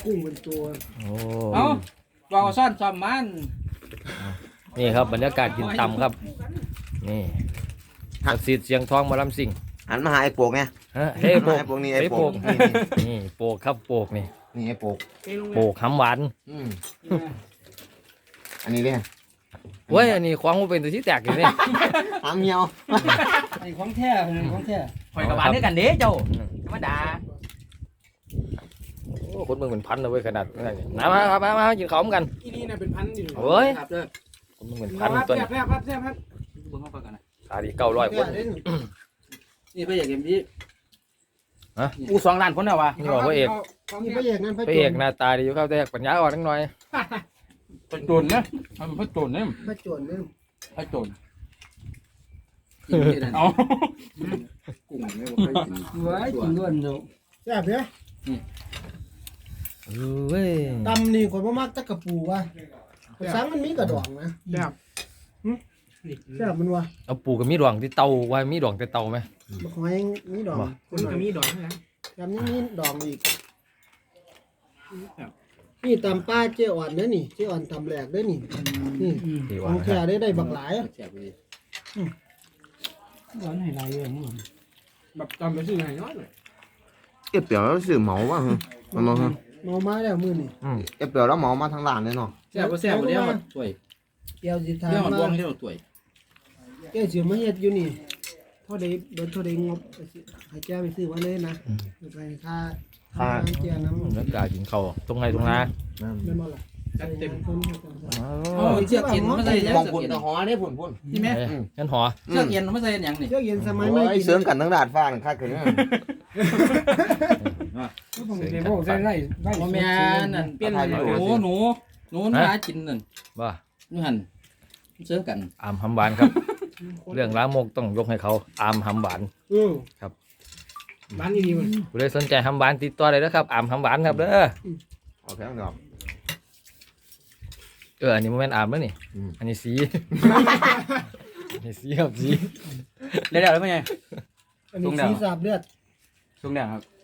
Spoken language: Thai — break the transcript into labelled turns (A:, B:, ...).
A: กุ้งเป็นตัว
B: โอ้
C: เอ้าว่าซ่อนซ้อมมัน
B: นี่ครับบรรยากาศกินตำครับนี่ศักดิ์สิทธิ์เสียงทองหมาลำสิง
D: หันมาหาไอ้โปกไง
B: ฮะเฮ้ยโปก
D: ไอ้โปกนี่ไอ้โปก
B: นี่โปกครับโปกนี่
D: นี่ไอ้โปก
B: โปกหำหวาน
D: อันนี้เลย
B: เว้ยอันนี้ควางมันเป็นตัวที่แตกอยู่นี่
D: หามเหี่ยว
A: ไอ้ของแท้ของแท้
C: ข่อยกับบ้านด้วยกันเด้เจ้าธรรมดา
B: โอ้คนเมืองเป็นพันเลยเว้ยขนาดนั้นนี่มาครับมากินข้าวกัน
A: อีนี่น่ะเป็นพันอยู่
B: เฮ้ย
C: ครับเด้อ
B: คนเมืองเป็นพันตัวนี้
A: แซ่บครับแซ่บครับ
C: เบิ่งเข้าไปกันนะ
B: ขาดี900คน
C: นี่พระเอกเอ็มพี
B: ฮะ
C: อู้2 ล้านคนแล้ววะ
B: นี่บอกพระเอก
A: นี่พระเอกนั่น
B: พระเอกหน้าตาดีอยู่ครับแต่ปัญญาอ่อนนิดหน่อย
C: พระโจรนะมันเป็นพระโจรเนี่ย
A: พระโจรนี่
C: พระโจรเอา
D: กุ้งไม่บอกให้กิน
A: ไว้กินด้วยเนาะแซ่บเด้อ
B: เว้ย
A: ตำนี่คนบ่มักตะกะปูว่ะภาษามันมีกระดองนะแซ่บแซ่บมันว่ะ
B: เอาปูกับมีดวงที่เตาไว้มีดวงแต่เตาไหม
A: บักหอยมีดองคนก็มีดองนะยำนี้มีดองอีกนี่ตำป้าเจ้อ่อนเด้อนี่เจ้อ่อนตำแหลกเด้อนี่นี่
B: ดี
A: ข
B: ว่า
A: องแท้ได้บักหลาย
C: แซ่บดี
A: ร้อนให้หลายอย่างนี้แบบตำไปซื้อให้น้อยหน่อย
D: เก็บเปลี่ยวแล้วสื่อเหมาป่ะมันมา
A: เมามาแล้วมื้อนี่
D: เก็บเปลี่ยวแล้วเหมามาทางร้านเลยเนาะ
C: แซ่บบ่แซ่บบ่เดี๋ยวมาสวย
A: เกี่ยวสิทา
C: เดี๋ยวมัน
A: มา
C: วงเดี๋ยวสวย
A: แก้วสิมาเฮ็ดอยู่นี่เท่าใดเบิดเท่าใดงบให้แก้วไปซื้อไว้เลยนะไปค่าแก้วน้ำ
B: บรรยากาศกินข้าวตรงไหนตรงนา
A: แม่นบ่ล่ะจัดเต็มคน
C: โอ้ยเชือกเอ็นมาใส่ยัง
D: มอง
C: เชือก
D: พุ่น
C: เอ็น
D: ตะหอได้พุ่นพุ่น
C: นี่แม่
B: งั้นหอ
C: เชือกเอ็นมาใส่ยังนี่
A: เจ้าเย็นสมัย
D: โอ้
A: ไม่
D: ย
A: กิน
D: เสริมกันทั้งดาดฟ้าหนึ่งค่าขึ้น
A: ผมเดี๋ยวบอกใส่ไร่
C: บ่แม่นนั่นเปลี่ยนหนูหากินนั่น
B: ว่า
C: อยู่หั่นเสื้อกัน
B: อามหำหวานครับ เรื่องล้างมกต้องยกให้เขาอามหำหวาน ครับ
A: บ้านนี้มัน
B: ผู้ใดสนใจหำหวานติดต่อได้แล้วครับอามหำหวานครับเด้อ
D: โอเคครับ
B: อันนี้โมเมนต์อามแล้วนี่อันนี้สีอันนี้สีครับสี
C: เดี๋ยวๆแล้วเป็นไง
A: อันนี้สีสาบเลือด
C: ช่วงเนี้ยครับ